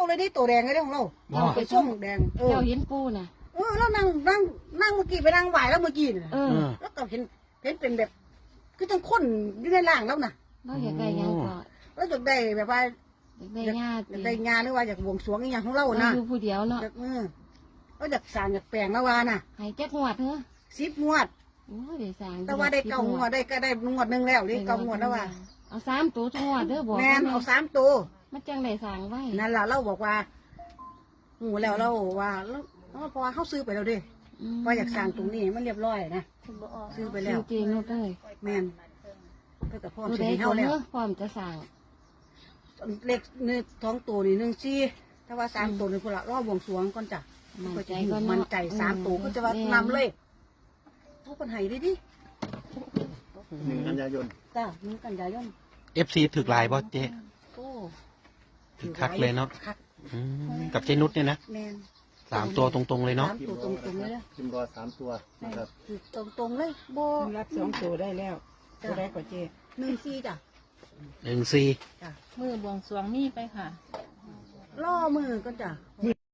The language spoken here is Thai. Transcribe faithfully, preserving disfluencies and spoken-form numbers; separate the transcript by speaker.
Speaker 1: เลยนี่ตัวแดงเลยของเรา
Speaker 2: บ่
Speaker 1: ไปช่วงแดงเออ
Speaker 3: เจ้าเห็นปูน่ะ
Speaker 1: เออแล้วนั่งนั่งนั่งเมื่อกี้ไปนั่งไหวแล้วเมื่อกี้น่ะ
Speaker 3: เออ
Speaker 2: เออ
Speaker 1: แล้วก็เห็นเห็นเป็นแบบคือจังคนอยู่ในร่างแล้วน่ะ
Speaker 3: เราอยากได้หยังก็
Speaker 1: แล้วอยากได้แบบว่า
Speaker 3: อยากได้ญาติ
Speaker 1: อยากได้งานหรือว่าอยากบวงสรวงอหย่างของเรา
Speaker 3: เรา
Speaker 1: นะ
Speaker 3: อยู่ผู้เดียวเนาะ
Speaker 1: อยากเออแล้วอยากสร้างอยากแปลงแล้วว่าน่ะ
Speaker 3: ให้จักงวดเถอะ
Speaker 1: สิบงวด
Speaker 3: โอ้ยได้สร้าง
Speaker 1: แต่ว่าได้เก้างวดได้ก็ได้งวดหนึ่งแล้วได้เก้างวดแล้วว่า
Speaker 3: เอาสามตัวทุกงวดเด้อบอก
Speaker 1: แมนเอาสามตัว
Speaker 3: มันจังได้สร้างไว้
Speaker 1: นั่นล่ะเราบอกว่าหูแล้วเราว่าแล้วแล้วพอเขาซื้อไปแล้วเดิว่าอยากสร้างตรงนี้มันเรียบร้อยนะซื้อไปแล้ว
Speaker 3: จริงๆนุดเลย
Speaker 1: แมนก็แต่พ่อ
Speaker 3: ตัว
Speaker 1: ซื้
Speaker 3: ใด
Speaker 1: อให้
Speaker 3: ก็
Speaker 1: เขาแล้ว
Speaker 3: เนอะพร้อมจะสร้าง
Speaker 1: เล็กหนึ่งท้องตัวนี่หนึ่งซี่ถ้าว่าสามตัวนี่พวกละรอบบวงสรวงก่อนจ้ะ
Speaker 3: มั่น
Speaker 1: ก็
Speaker 3: ใจ
Speaker 1: จะ
Speaker 3: ก็
Speaker 1: มัน
Speaker 3: เนาะ
Speaker 1: ใจสามตัวก็จะว่านำเลยทุกคนให้ดิดิ
Speaker 4: หนึ่งกันยายน
Speaker 1: จ้าหนึ่งกันยายน
Speaker 2: เอฟซีถึกลายบ่เจ๊
Speaker 1: โอ้
Speaker 2: ถึกคักเลยเนาะ
Speaker 1: คัก
Speaker 2: อืมกับเจนุชเนี่ยนะ
Speaker 1: แมน
Speaker 2: สามตัวตรงๆเลยเนาะ
Speaker 1: สามตัวตรงๆเลยนะ
Speaker 4: พิมพ์รอสามตัวนะครับ
Speaker 1: คือตรงๆเลยโบ
Speaker 5: รับสองตัวได้แล้วตัวได้กว่าเจ
Speaker 1: หนึ่งซี่จ้ะ
Speaker 2: หนึ่งสี่
Speaker 1: จ้ะ
Speaker 6: มือบวงสรวงมีไปค่ะ
Speaker 1: ล่อมือก็จ้ะ
Speaker 4: มือ